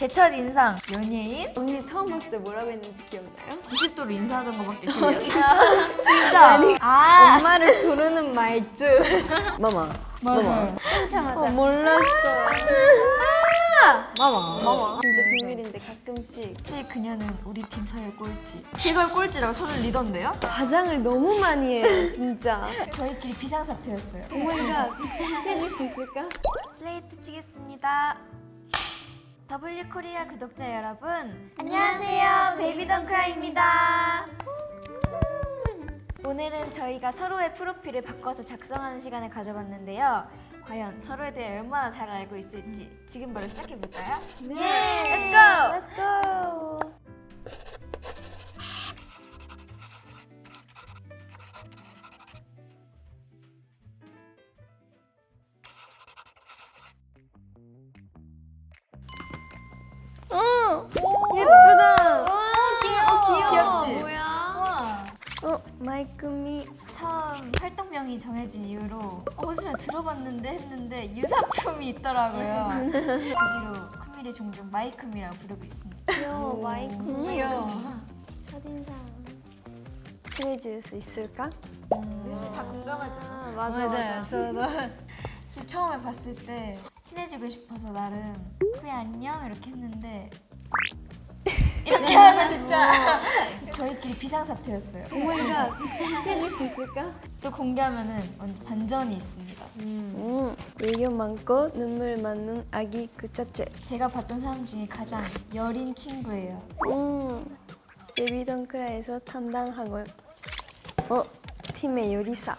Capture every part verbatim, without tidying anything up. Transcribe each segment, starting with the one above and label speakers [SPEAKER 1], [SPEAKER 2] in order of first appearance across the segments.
[SPEAKER 1] 제 첫 인상 연예인?
[SPEAKER 2] 언니 처음 봤을 때 뭐라고 했는지 기억나요?
[SPEAKER 1] 구십 도로 인사하던 거밖에 기억이 안 나. 진짜? 아
[SPEAKER 2] 엄마를 부르는 말투.
[SPEAKER 3] 마마.
[SPEAKER 1] 맞아요.
[SPEAKER 2] 끊자마자
[SPEAKER 3] 어,
[SPEAKER 2] 몰랐어.
[SPEAKER 3] 마마.
[SPEAKER 2] 마마. 진짜 비밀인데 가끔씩
[SPEAKER 1] 혹시 그녀는 우리 팀 사이의 꼴찌. 제가 꼴찌라고 저를 리던데요?
[SPEAKER 2] 과장을 너무 많이 해요, 진짜.
[SPEAKER 1] 저희끼리 비상사태였어요.
[SPEAKER 2] 어머니가 해줄 수 있을까?
[SPEAKER 1] 슬레이트 치겠습니다. 더블유 코리아 구독자 여러분, 안녕하세요. 베이비 덩크라입니다. 오늘은 저희가 서로의 프로필을 바꿔서 작성하는 시간을 가져봤는데요. 과연 서로에 대해 얼마나 잘 알고 있을지 지금 바로 시작해볼까요?
[SPEAKER 2] 네.
[SPEAKER 1] Let's go!
[SPEAKER 2] Let's go. 어, 예쁘다. 어, 귀여워.
[SPEAKER 1] 귀엽지?
[SPEAKER 2] 뭐야?
[SPEAKER 3] 어, 마이크미.
[SPEAKER 1] 처음 활동명이 정해진 이후로 어디서 들어봤는데 했는데 유사품이 있더라고요. 그 뒤로 쿠미를 종종 마이크미라고 부르고 있습니다.
[SPEAKER 2] 귀여워, 마이크.
[SPEAKER 1] 귀여워.
[SPEAKER 2] 첫인상.
[SPEAKER 3] 친해질 수 있을까?
[SPEAKER 1] 다 공감하잖아.
[SPEAKER 2] 아, 맞아, 맞아.
[SPEAKER 4] 저도
[SPEAKER 1] 지 처음에 봤을 때 친해지고 싶어서 나름 그래 안녕 이렇게 했는데 이렇게 하면 진짜 저희끼리 비상사태였어요.
[SPEAKER 2] 어머니가 해줄 수 있을까?
[SPEAKER 1] 또 공개하면은 완전 반전이 있습니다.
[SPEAKER 3] 음, 애교 많고 눈물 많은 아기 그 자체.
[SPEAKER 1] 제가 봤던 사람 중에 가장 여린 친구예요.
[SPEAKER 3] 음, 베이비 덩크라에서 담당하고 어, 팀의 요리사.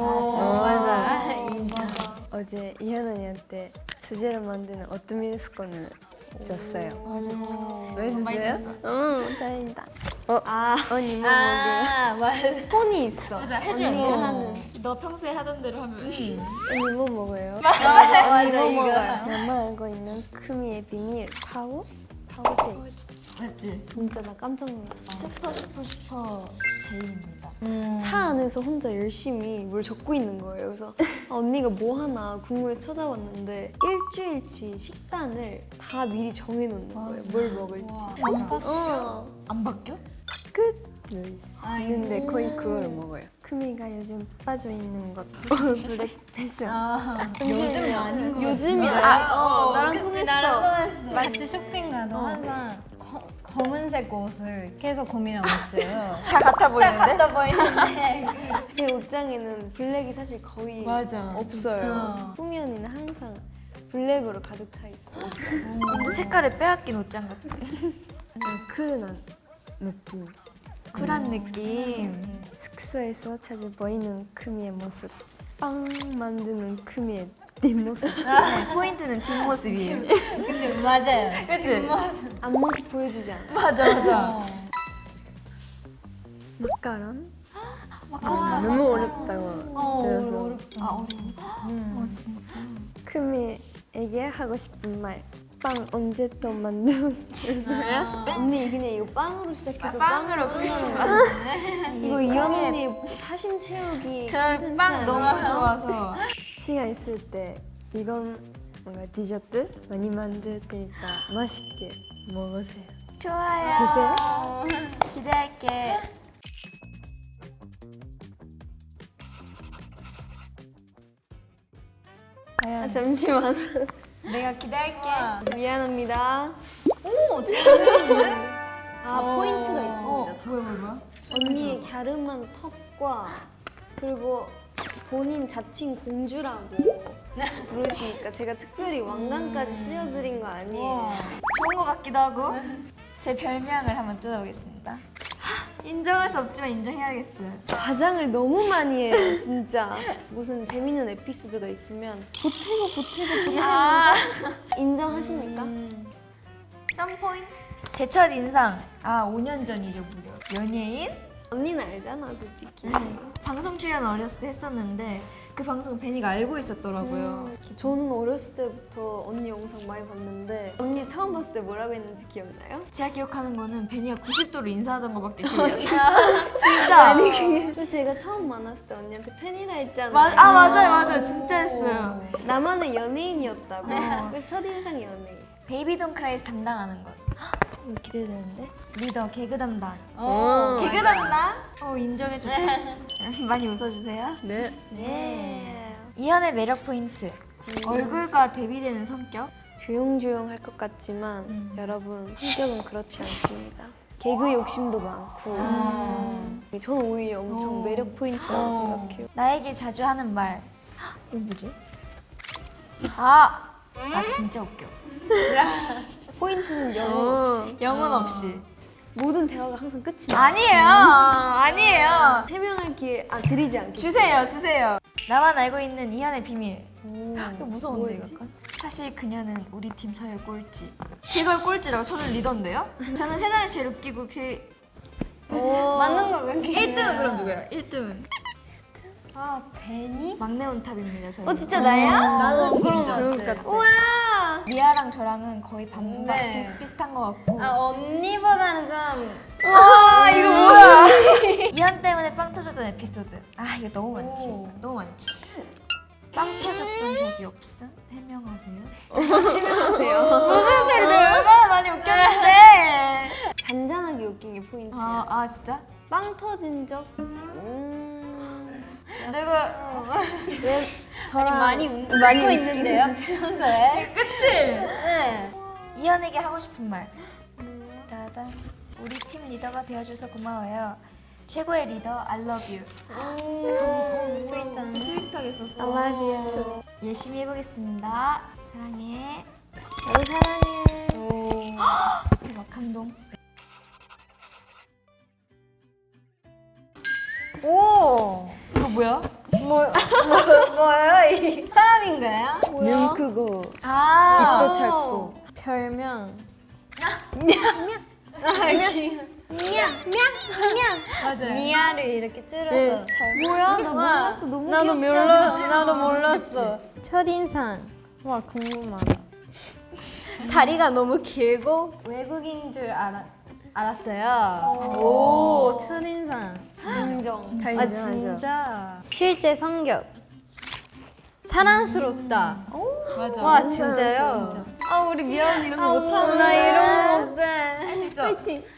[SPEAKER 4] 맞아.
[SPEAKER 3] 어제 이현 언니한테 수제로 만드는 오트밀 스콘을 줬어요.
[SPEAKER 1] 맞아.
[SPEAKER 3] 맛있었어요? 응, 다행이다. 어,
[SPEAKER 2] 아,
[SPEAKER 3] 언니 뭐 먹어요?
[SPEAKER 4] 아, 맞아.
[SPEAKER 2] 폰이 있어.
[SPEAKER 1] 맞아, 해주면
[SPEAKER 2] 언니가
[SPEAKER 1] 돼.
[SPEAKER 2] 하는.
[SPEAKER 1] 너 평소에 하던 대로 하면
[SPEAKER 3] 언니 뭐 먹어요?
[SPEAKER 4] 맞아,
[SPEAKER 2] 이거
[SPEAKER 4] 이거.
[SPEAKER 2] 먹어요.
[SPEAKER 3] 나만 알고 있는 크미의 비밀 파워? 파워제.
[SPEAKER 1] 맞지?
[SPEAKER 2] 진짜 나 깜짝 놀랐어.
[SPEAKER 1] 슈퍼 슈퍼 슈퍼 제이입니다.
[SPEAKER 2] 차 안에서 혼자 열심히 뭘 적고 있는 거예요. 그래서 아, 언니가 뭐 하나 궁금해서 찾아봤는데 일주일치 식단을 다 미리 정해놓는 거예요. 뭘 먹을지.
[SPEAKER 4] 안 봤-
[SPEAKER 2] 어.
[SPEAKER 1] 안 바뀌어?
[SPEAKER 3] 끝!
[SPEAKER 4] 아,
[SPEAKER 3] 있는데 거의 그걸 먹어요. 크미가 요즘 빠져있는 것 블랙 패션.
[SPEAKER 4] 아, 요즘 아닌 거
[SPEAKER 2] 요즘이야.
[SPEAKER 1] 아,
[SPEAKER 2] 어,
[SPEAKER 1] 어,
[SPEAKER 2] 나랑
[SPEAKER 4] 그치,
[SPEAKER 2] 통했어.
[SPEAKER 4] 나랑 통했어. 같이 쇼핑 가도 항상 커- 검은색 옷을 계속 고민하고 있어요.
[SPEAKER 1] 다 같아 보이는데?
[SPEAKER 4] 같아 보이는데.
[SPEAKER 2] 제 옷장에는 블랙이 사실 거의
[SPEAKER 1] 맞아.
[SPEAKER 2] 없어요.
[SPEAKER 4] 없어.
[SPEAKER 2] 꾸미 언니는 항상 블랙으로 가득 차 있어.
[SPEAKER 1] 근데 색깔을 빼앗긴 옷장 같아.
[SPEAKER 3] 약간 쿨한 느낌.
[SPEAKER 1] 쿨한 느낌.
[SPEAKER 3] 숙소에서 자주 보이는 크미의 모습. 빵 만드는 크미의 뒷모습.
[SPEAKER 1] 네, 포인트는 뒷모습이에요.
[SPEAKER 4] 근데 맞아요.
[SPEAKER 1] 그치?
[SPEAKER 2] 앞모습 보여주지 않아.
[SPEAKER 1] 맞아 맞아.
[SPEAKER 3] 마카롱?
[SPEAKER 1] 마카롱
[SPEAKER 3] 너무 어렵다고
[SPEAKER 4] 어,
[SPEAKER 3] 들어서
[SPEAKER 4] 어렵다.
[SPEAKER 1] 아 어려워? 어 진짜.
[SPEAKER 3] 크미에게 하고 싶은 말. 빵 언제 또 만들어줄 거야?
[SPEAKER 2] 언니 그냥 이거 빵으로 시작해서
[SPEAKER 1] 아, 빵으로
[SPEAKER 2] 끝나는
[SPEAKER 1] 끝내는
[SPEAKER 2] 거야. 이거 이현
[SPEAKER 1] 빵에-
[SPEAKER 2] 언니 사심 채우기
[SPEAKER 1] 저빵
[SPEAKER 2] 콘텐츠
[SPEAKER 1] 너무
[SPEAKER 2] 아니에요?
[SPEAKER 1] 좋아서.
[SPEAKER 3] 시간 있을 때 이건 뭔가 디저트 많이 만들 테니까 맛있게 먹으세요.
[SPEAKER 1] 좋아요.
[SPEAKER 3] 주세요.
[SPEAKER 1] 기대할게.
[SPEAKER 2] 아, 잠시만.
[SPEAKER 1] 내가 기대할게.
[SPEAKER 2] 미안합니다.
[SPEAKER 4] 오, 잘 그렸네?
[SPEAKER 2] 아
[SPEAKER 4] 어.
[SPEAKER 2] 포인트가
[SPEAKER 1] 어
[SPEAKER 2] 있습니다.
[SPEAKER 1] 뭐야 뭐야 뭐야?
[SPEAKER 2] 언니의 갸름한 턱과 그리고 본인 자칭 공주라고 부르시니까 제가 특별히 왕관까지 씌워드린 거 아니에요.
[SPEAKER 4] 와.
[SPEAKER 1] 좋은 것 같기도 하고. 제 별명을 한번 뜯어보겠습니다. 하, 인정할 수 없지만 인정해야겠어요.
[SPEAKER 2] 과장을 너무 많이 해요, 진짜. 무슨 재밌는 에피소드가 있으면 보태고 보태고 보태고
[SPEAKER 1] 아,
[SPEAKER 2] 인정하십니까?
[SPEAKER 1] 썸 포인트. 제 첫 인상. 아, 오 년 전이죠, 무려. 연예인?
[SPEAKER 2] 언니는 알잖아, 솔직히.
[SPEAKER 1] 방송 출연 어렸을 때 했었는데 그 방송을 베니가 알고 있었더라고요.
[SPEAKER 2] 저는 어렸을 때부터 언니 영상 많이 봤는데 언니 처음 봤을 때 뭐라고 했는지 기억나요?
[SPEAKER 1] 제가 기억하는 거는 베니가 구십 도로 인사하던 거밖에 기억이 안 나요. 진짜.
[SPEAKER 2] 아니 그게 그래서 제가 처음 만났을 때 언니한테 팬이라 했잖아요.
[SPEAKER 1] 마, 아 맞아요 맞아요 진짜 했어요.
[SPEAKER 2] 나만의 연예인이었다고. 그래서 첫인상이 연예인.
[SPEAKER 1] 베이비 돈 크라이에서 담당하는 것. 헉, 이거 기대되는데? 리더 개그 담당.
[SPEAKER 4] 어,
[SPEAKER 1] 개그 담당? 어 인정해줄게. 많이 웃어주세요.
[SPEAKER 3] 네.
[SPEAKER 2] 네.
[SPEAKER 1] 이현의 매력 포인트. 얼굴과 대비되는 성격.
[SPEAKER 2] 조용조용할 것 같지만
[SPEAKER 1] 음.
[SPEAKER 2] 여러분 성격은 그렇지 않습니다. 개그 욕심도 많고 저는 오히려 엄청
[SPEAKER 1] 어.
[SPEAKER 2] 매력 포인트라고
[SPEAKER 4] 어.
[SPEAKER 2] 생각해요.
[SPEAKER 1] 나에게 자주 하는 말. 헉, 이거 뭐지? 아, 아 진짜 웃겨.
[SPEAKER 2] 포인트는 영어 없이
[SPEAKER 1] 영혼 없이.
[SPEAKER 2] 모든 대화가 항상 끝이 나.
[SPEAKER 1] 아니에요. 아니에요.
[SPEAKER 2] 해명할 기회 아 드리지 않겠어요.
[SPEAKER 1] 주세요, 주세요. 나만 알고 있는 이현의 비밀.
[SPEAKER 2] 오.
[SPEAKER 1] 이거 무서운데
[SPEAKER 2] 뭐였지?
[SPEAKER 1] 이거. 사실 그녀는 우리 팀 서열 꼴찌. 제가 꼴찌라고? 저는 리더인데요? 저는 세상에서 제일 웃기고 그
[SPEAKER 4] 맞는 거 같긴
[SPEAKER 1] 일 등은 그럼 누구야? 일 등은
[SPEAKER 4] 아, 베니?
[SPEAKER 1] 막내 온탑입니다. 저희.
[SPEAKER 2] 어 진짜 나야?
[SPEAKER 1] 나는
[SPEAKER 4] 그런 거
[SPEAKER 1] 진짜.
[SPEAKER 3] 그럴 것 같아.
[SPEAKER 2] 우와.
[SPEAKER 1] 미아랑 저랑은 거의 반반
[SPEAKER 4] 네.
[SPEAKER 1] 비슷비슷한 것 같고.
[SPEAKER 4] 아, 언니보다는 좀
[SPEAKER 1] 와 이거 뭐야? 이현 때문에 빵 터졌던 에피소드. 아 이거 너무 많지.
[SPEAKER 4] 오.
[SPEAKER 1] 너무 많지. 빵 터졌던 적이 없음? 해명하세요.
[SPEAKER 2] 안녕하세요.
[SPEAKER 1] 무슨 소리들 얼마나 많이 웃겼는데.
[SPEAKER 2] 잔잔하게 웃긴 게 포인트야.
[SPEAKER 1] 아, 아 진짜?
[SPEAKER 2] 빵 터진 적? 음.
[SPEAKER 1] 내가
[SPEAKER 2] 왜 저랑
[SPEAKER 4] 많이 웃고
[SPEAKER 2] 많이 웃긴
[SPEAKER 4] 있는데요, 평소에.
[SPEAKER 1] 그치?
[SPEAKER 4] 네.
[SPEAKER 1] 이현에게 하고 싶은 말. 따단. 우리 팀 리더가 되어줘서 고마워요. 최고의 리더, I love you. 진짜 감,
[SPEAKER 4] 스윗한.
[SPEAKER 1] 스윗하게 썼어.
[SPEAKER 2] I love you.
[SPEAKER 1] 열심히 해보겠습니다. 사랑해.
[SPEAKER 2] 나도 사랑해.
[SPEAKER 1] 대박 감동.
[SPEAKER 4] 오!
[SPEAKER 1] 이거 뭐야?
[SPEAKER 4] 뭐, 뭐, 뭐예요? 이 사람인가요?
[SPEAKER 3] 눈 크고
[SPEAKER 1] 아,
[SPEAKER 3] 입도 짧고.
[SPEAKER 4] 별명.
[SPEAKER 1] 맞아요.
[SPEAKER 4] 미아를 이렇게 줄여서
[SPEAKER 3] 네.
[SPEAKER 4] 잘.
[SPEAKER 2] 뭐야? 나 몰랐어. 너무
[SPEAKER 4] 나도
[SPEAKER 2] 귀엽잖아.
[SPEAKER 4] 몰랐어. 나도 몰랐어. 첫인상. 와, 궁금하다. 다리가 너무 길고 외국인 줄 알아, 알았어요. 오, 첫인상.
[SPEAKER 2] 인정.
[SPEAKER 3] 다
[SPEAKER 4] 아,
[SPEAKER 3] 인정하죠.
[SPEAKER 4] 진짜. 실제 성격. 사랑스럽다.
[SPEAKER 1] 맞아.
[SPEAKER 4] 와, 진짜요?
[SPEAKER 1] 진짜.
[SPEAKER 2] 아 우리 미안 이런 거
[SPEAKER 4] 아,
[SPEAKER 2] 못하는
[SPEAKER 4] 나 이런 거 못해.
[SPEAKER 1] 할 수 있어.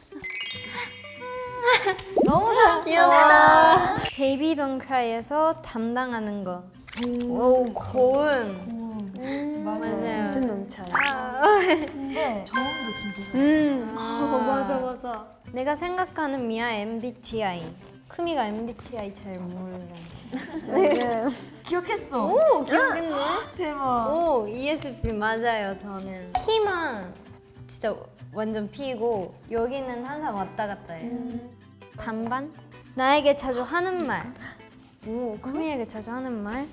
[SPEAKER 4] 너무 잘했어.
[SPEAKER 1] 귀엽다.
[SPEAKER 4] 베이비 돈 크라이에서 담당하는 거. 오, 고음.
[SPEAKER 1] 맞아요.
[SPEAKER 4] 맞아요.
[SPEAKER 3] 진짜 너무 잘.
[SPEAKER 1] 근데 저음도 진짜 좋아.
[SPEAKER 4] 음.
[SPEAKER 2] 어, 맞아 맞아.
[SPEAKER 4] 내가 생각하는 미아 엠비티아이. 크미가 엠비티아이 잘 몰라.
[SPEAKER 3] 맞아요.
[SPEAKER 1] 기억했어.
[SPEAKER 4] 오, 기억했네.
[SPEAKER 1] 대박.
[SPEAKER 4] 오, 이에스피 맞아요. 저는 P만 진짜 완전 P고 여기는 항상 왔다 갔다 해요. 반반? 나에게 자주 하는 말. 오, 크미에게 자주 하는 말.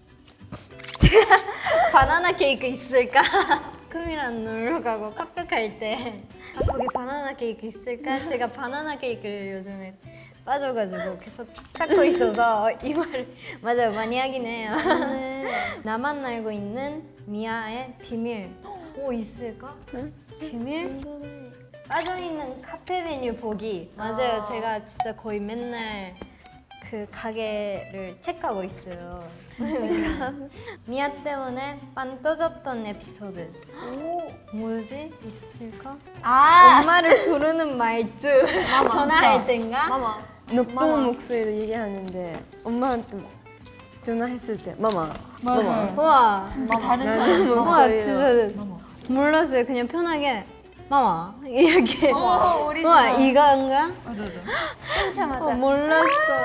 [SPEAKER 4] 바나나 케이크 있을까? 크미랑 놀러 가고 카페 갈 때 아, 거기 바나나 케이크 있을까? 제가 바나나 케이크를 요즘에 빠져가지고 계속 찾고 있어서 이 말을 맞아요 많이 하긴 해요. 나만 알고 있는 미아의 비밀. 오 있을까? 비밀? 빠져있는 카페 메뉴 보기. 맞아요. 제가 진짜 거의 맨날 그 가게를 체크하고 있어요. 미아 때문에 빵 터졌던 에피소드. 오, 뭐지? 있을까?
[SPEAKER 1] 아,
[SPEAKER 4] 엄마를 부르는 말투. 전화할 땐가?
[SPEAKER 2] 마마.
[SPEAKER 3] 높은 목소리로 얘기하는데 엄마한테 전화했을 때 마마,
[SPEAKER 1] 맞아요.
[SPEAKER 3] 마마.
[SPEAKER 4] 와,
[SPEAKER 1] 진짜 다른
[SPEAKER 3] 나는
[SPEAKER 1] 사람.
[SPEAKER 4] 와
[SPEAKER 3] 목소리로.
[SPEAKER 4] 진짜 몰랐어요. 그냥 편하게 마마 이렇게.
[SPEAKER 1] 어, 우리
[SPEAKER 4] 와
[SPEAKER 1] 집안.
[SPEAKER 4] 이건가?
[SPEAKER 1] 맞아, 맞아.
[SPEAKER 2] 끊자마자.
[SPEAKER 4] 어, 몰랐어.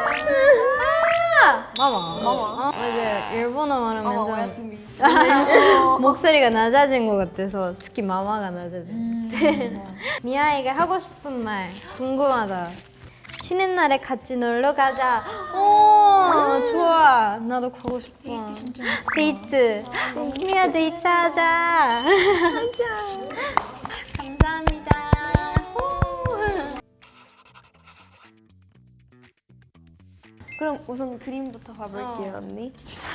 [SPEAKER 4] 아! 마마. 마마. 맞아요. 일본어 말하면
[SPEAKER 2] 마마
[SPEAKER 4] 좀
[SPEAKER 2] 오야스미.
[SPEAKER 4] 목소리가 낮아진 것 같아서 특히 마마가 낮아져.
[SPEAKER 1] 음,
[SPEAKER 4] 미아에게 하고 싶은 말 궁금하다. 쉬는 날에 같이 놀러 가자. 오 좋아. 나도 가고 싶어. 데이트. 미아 데이트 하자. 감사합니다. 후.
[SPEAKER 2] 그럼 우선 그림부터 봐볼게요 언니.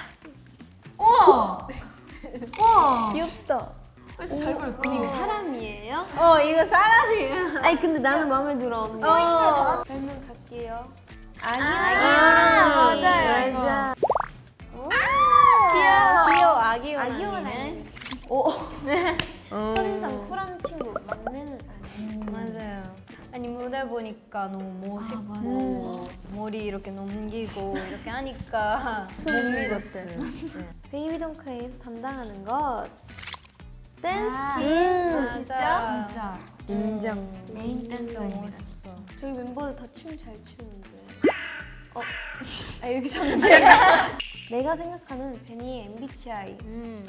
[SPEAKER 1] 우와. 우와.
[SPEAKER 3] 귀엽다.
[SPEAKER 1] 진짜 잘 그렸다.
[SPEAKER 2] 언니 이거 사람이에요?
[SPEAKER 4] 어 이거 사람이야.
[SPEAKER 2] 아니 근데 나는 마음에 들어 언니.
[SPEAKER 4] 어.
[SPEAKER 2] 별명 갈게요.
[SPEAKER 4] 아기
[SPEAKER 1] 아,
[SPEAKER 4] 호랑이.
[SPEAKER 1] 맞아요.
[SPEAKER 3] 맞아.
[SPEAKER 1] 귀여워.
[SPEAKER 4] 귀여워 아기
[SPEAKER 2] 아기
[SPEAKER 4] 호랑이네.
[SPEAKER 2] 호랑이. 오.
[SPEAKER 3] 어.
[SPEAKER 2] 첫인상 쿨한 친구 막내는 아니에요.
[SPEAKER 4] 맞아요. 아니 무대 보니까 너무 멋있고
[SPEAKER 1] 맞아요.
[SPEAKER 4] 머리 이렇게 넘기고 이렇게 하니까 못 믿었어요. 네.
[SPEAKER 2] 베이비 동크에서 담당하는 것 댄스
[SPEAKER 1] 아,
[SPEAKER 2] 팀.
[SPEAKER 4] 음,
[SPEAKER 2] 진짜?
[SPEAKER 4] 맞아.
[SPEAKER 1] 진짜
[SPEAKER 3] 인정.
[SPEAKER 1] 메인 댄서입니다.
[SPEAKER 4] 멋있어.
[SPEAKER 2] 저희 멤버들 다 춤 잘 추는데. 어, 아 이렇게 정지가. 내가 생각하는 베니의 엠비티아이.
[SPEAKER 4] 음.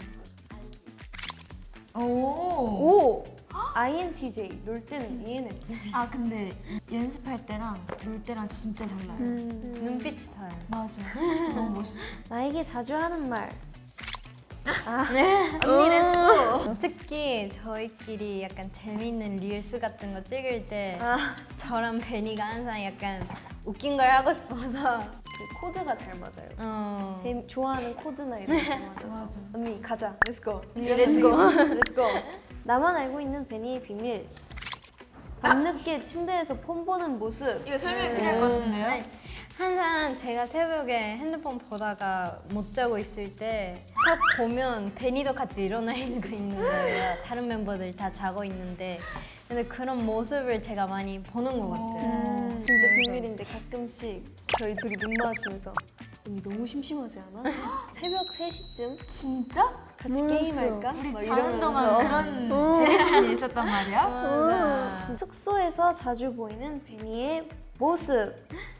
[SPEAKER 1] 오.
[SPEAKER 2] 오. 아이엔티제이. 놀 때는 이엔에프피.
[SPEAKER 1] 아 근데 연습할 때랑 놀 때랑 진짜 달라요.
[SPEAKER 2] 음.
[SPEAKER 4] 눈빛 스타일.
[SPEAKER 1] 맞아. 너무 멋있어.
[SPEAKER 2] 나에게 자주 하는 말. 아,
[SPEAKER 4] 네.
[SPEAKER 2] 언니 했어.
[SPEAKER 4] 특히 저희끼리 약간 재밌는 릴스 같은 거 찍을 때
[SPEAKER 2] 아,
[SPEAKER 4] 저랑 베니가 항상 약간 웃긴 걸 하고 싶어서
[SPEAKER 2] 그 코드가 잘 맞아요.
[SPEAKER 4] 어.
[SPEAKER 2] 제 좋아하는 코드나 이런 거 맞아서.
[SPEAKER 1] 맞아.
[SPEAKER 2] 언니 가자. 렛츠고.
[SPEAKER 4] 렛츠고.
[SPEAKER 2] 렛츠고. 나만 알고 있는 베니의 비밀. 밤늦게 침대에서 폰 보는 모습.
[SPEAKER 1] 이거 설명 필요할 것 같은데요?
[SPEAKER 4] 네. 항상 제가 새벽에 핸드폰 보다가 못 자고 있을 때 딱 보면 베니도 같이 일어나 있는 거 있는 거예요. 다른 멤버들 다 자고 있는데 근데 그런 모습을 제가 많이 보는 것 같아요.
[SPEAKER 2] 진짜 비밀인데 가끔씩 저희 둘이 눈 마주치면서 언니 너무 심심하지 않아? 새벽 세 시쯤
[SPEAKER 1] 진짜?
[SPEAKER 2] 같이
[SPEAKER 3] 몰랐어.
[SPEAKER 2] 게임할까?
[SPEAKER 1] 우리
[SPEAKER 2] 막
[SPEAKER 1] 자는 동안
[SPEAKER 2] 이러면서.
[SPEAKER 1] 그런 재밌는 있었단 말이야?
[SPEAKER 4] 맞아.
[SPEAKER 2] 숙소에서 자주 보이는 베니의 모습.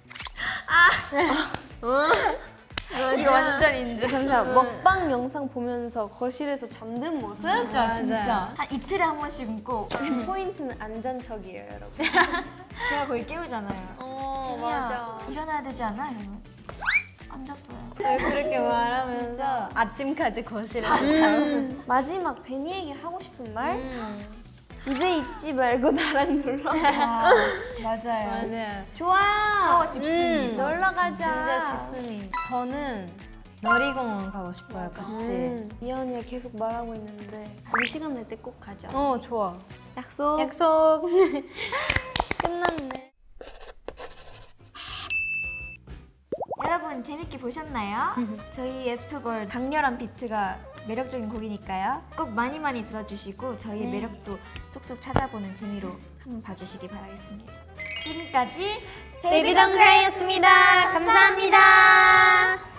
[SPEAKER 1] 이거 완전 인정.
[SPEAKER 2] 감사. 먹방 영상 보면서 거실에서 잠든 모습.
[SPEAKER 1] 진짜
[SPEAKER 4] 맞아요.
[SPEAKER 1] 진짜 한 이틀에 한 번씩은 꼭
[SPEAKER 2] 포인트는 안 잔 척이에요, 여러분.
[SPEAKER 1] 제가 거의 깨우잖아요.
[SPEAKER 4] 어
[SPEAKER 1] 야, 일어나야 되지 않아? 이러면 안 잤어요.
[SPEAKER 4] 왜 그렇게 말하면서 아침까지 거실에서 자고.
[SPEAKER 2] 마지막 베니에게 하고 싶은 말?
[SPEAKER 4] 음.
[SPEAKER 2] 집에 있지 말고 나랑 놀러.
[SPEAKER 1] 아, 맞아요.
[SPEAKER 4] 맞아요.
[SPEAKER 2] 좋아.
[SPEAKER 1] 파워 집순이.
[SPEAKER 2] 음, 놀러 가자.
[SPEAKER 4] 진짜 집순이. 저는 놀이공원 가고 싶어요, 같이.
[SPEAKER 2] 음, 미연이가 계속 말하고 있는데 우리 시간 날 때 꼭 가자.
[SPEAKER 4] 어, 좋아.
[SPEAKER 2] 약속.
[SPEAKER 4] 약속. 끝났네.
[SPEAKER 1] 여러분 재밌게 보셨나요? 저희 F걸 강렬한 비트가 매력적인 곡이니까요. 꼭 많이 많이 들어주시고 저희의 매력도 쏙쏙 찾아보는 재미로 한번 봐주시기 바라겠습니다. 지금까지
[SPEAKER 4] 베이비 덩크라이였습니다. 감사합니다.